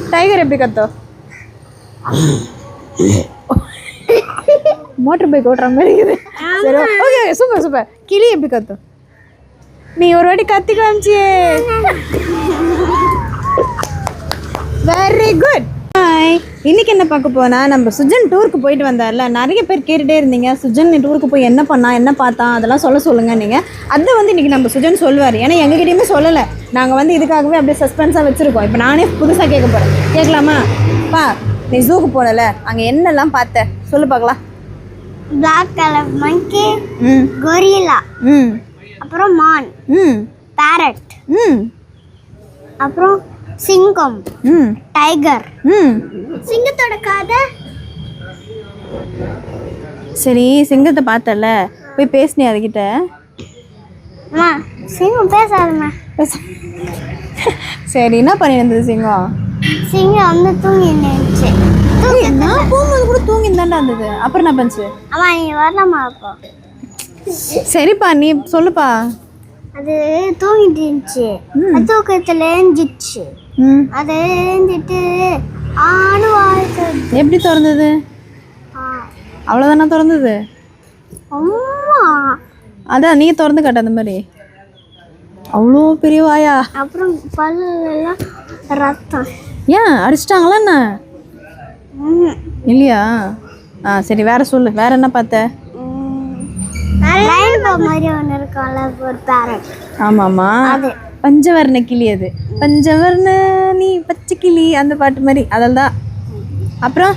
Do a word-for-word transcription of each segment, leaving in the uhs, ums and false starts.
Tiger எப்படி கத்தும்? Motor bike ஓட்டுற மாதிரி இருக்குது. சரி ஓகே சூப்பர் சூப்பர். கிளி எப்படி கத்தும்? நீ ஒரு வாட்டி கத்தி காமிச்சியே. Very good. ஹாய், இன்னைக்கு என்ன பார்க்க போனா, நம்ம சுஜன் டூருக்கு போயிட்டு வந்தார்ல, நிறைய பேர் கேட்டுகிட்டே இருந்தீங்க சுஜன் டூருக்கு போய் என்ன பண்ணா என்ன பார்த்தா அதெல்லாம் சொல்ல சொல்லுங்க நீங்கள். அதை வந்து இன்றைக்கி நம்ம சுஜன் சொல்லுவார். ஏன்னா எங்ககிட்டயுமே சொல்லலை, நாங்கள் வந்து இதுக்காகவே அப்படியே சஸ்பென்ஸாக வச்சுருக்கோம். இப்போ நானே புதுசாக கேட்க போகிறேன். கேட்கலாமா? பா, நீ ஜூக்கு போனல, அங்கே என்னெல்லாம் பார்த்த சொல்லு பார்க்கலாம். பிளாக் கலர் மங்கி, ம் கொரில்லா, ம் அப்புறம் மான், ம் பேரட், ம் அப்புறம் சிங்கம், ம் டைகர், ம் சிங்கத்தோட கதை. சரி, சிங்கத்தை பார்த்தல, போய் பேசினே அதுக்கிட்ட. அம்மா சிங்கம் பேசாதம்மா. பேச சரி, என்ன பண்ணியிருந்தது சிங்கம்? சிங்கம் வந்து தூங்கி இருந்துச்சு. நான் போகும்போது கூட தூங்கி தாண்டா இருந்தது. அப்புறம் என்ன பண்ணுச்சு? அம்மா நீ வரலாமா? அப்போ சரிப்பா, நீ சொல்லுப்பா. அது தூங்கிட்டு இருந்துச்சு. தூக்கத்தில் எழுஞ்சிச்சு. அது எழுஞ்சிட்டு ஆணு வாழ்க்கை. எப்படி திறந்தது? அவ்வளோதானே திறந்தது? அம்மா அதான் நீ திறந்து காட்ட அந்த மாதிரி. அவ்வளோ பெரிய வாயா? அப்புறம் பல்லெல்லாம் ரத்தம். ஏன் அடிச்சிட்டாங்களா என்ன? இல்லையா? ஆ சரி, வேற சொல்லு. வேற என்ன பார்த்த? ஆமாமா, பஞ்சவர்ண கிளி. அது பஞ்சவர்ண நீ பச்சை கிளி, அந்த பாட்டு மாதிரி. அதில் தான். அப்புறம்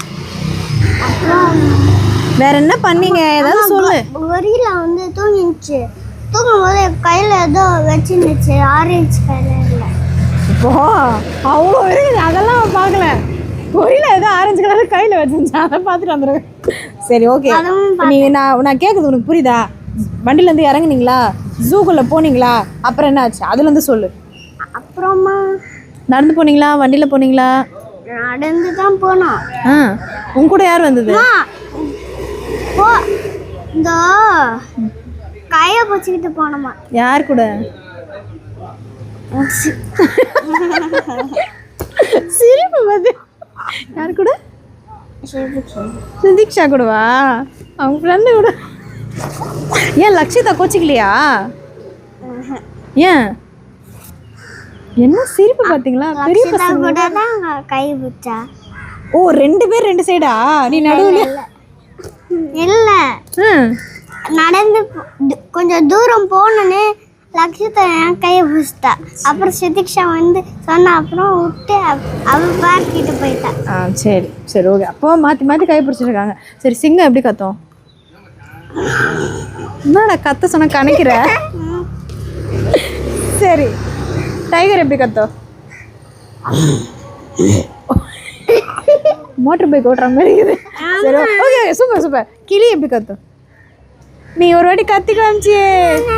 வேற என்ன பண்ணீங்க? ஏதாவது சொல்லு. கொரில்லா வந்து தூங்கிச்சு. தூங்கும் போது கையில் ஏதோ வச்சுருந்துச்சு, ஆரஞ்சு கலரில். இப்போ அவ்வளோ இருக்குது, அதெல்லாம் பார்க்கல. கொரில்லா ஏதோ ஆரஞ்சு கலர் கையில் வச்சுருந்துச்சு, அதை பார்த்துட்டு வந்துருக்கேன். சரி ஓகே, நீ நான் நான் கேட்குறது உனக்கு புரியுதா? வண்டியிலேருந்து இறங்குனீங்களா? ஜூக்குள்ளே போனீங்களா? அப்புறம் என்ன ஆச்சு அதுலேருந்து சொல்லு. அப்புறமா நடந்து போனீங்களா? வண்டியில் போனீங்களா? நடந்து தான் போனோம். ஆ, உன் கூட யார் வந்தது? போ இந்த கையை பிடிச்சிக்கிட்டு போனோமா. யார் கூட? சிரிப்பு வந்து யார் கூட? சுதீக்ஷா கூடவா? அவங்க ஃப்ரெண்டு கூட. ஏன் லக்ஷிதா கோச்சிக்கலையா? ஏன் என்ன சிரிப்பு பார்த்தீங்களா? பெரிய பசங்க கூட தான் கை பிடிச்சா. ஓ, ரெண்டு பேர் ரெண்டு சைடா? நீ நடுவில் இல்லை, நடந்து கொஞ்சம் தூரம் போனோன்னே லக்ஷிதா என் கையை பிடிச்சிட்டா. அப்புறம் சுதீக்ஷா வந்து சொன்னா, அப்புறம் விட்டு அவள் பார்க்கிட்டு போயிட்டா. ஆ சரி சரி ஓகே. அப்போ மாற்றி மாற்றி கை பிடிச்சிருக்காங்க. சரி, சிங்கம் எப்படி கத்தும்? என்னடா கத்த சொன்ன கணக்கிற? சரி, டைகர் எப்படி கத்தும்? மோட்டர் பைக் ஓட்டுற மாதிரி இருக்குது. சரி ஓகே சூப்பர் சூப்பர். கிளி எப்படி கத்தும்? நீ ஒரு வாட்டி கத்தி காமிச்சியே.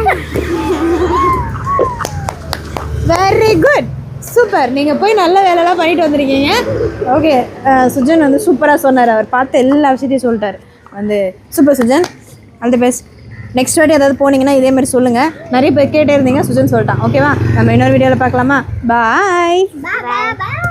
Very good, super. நீங்கள் போய் நல்ல வேலைலாம் பண்ணிட்டு வந்திருக்கீங்க. ஓகே, சுஜன் வந்து சூப்பராக சொன்னார். அவர் பார்த்து எல்லா விஷயத்தையும் சொல்லிட்டார். வந்து super Sujan, all the best. Next வாட்டி ஏதாவது போனீங்கன்னா இதே மாதிரி சொல்லுங்கள். நிறைய பேர் கேட்டே இருந்தீங்க, சுஜன் சொல்லிட்டான். ஓகேவா? நம்ம இன்னொரு வீடியோவில் பார்க்கலாமா? பாய்.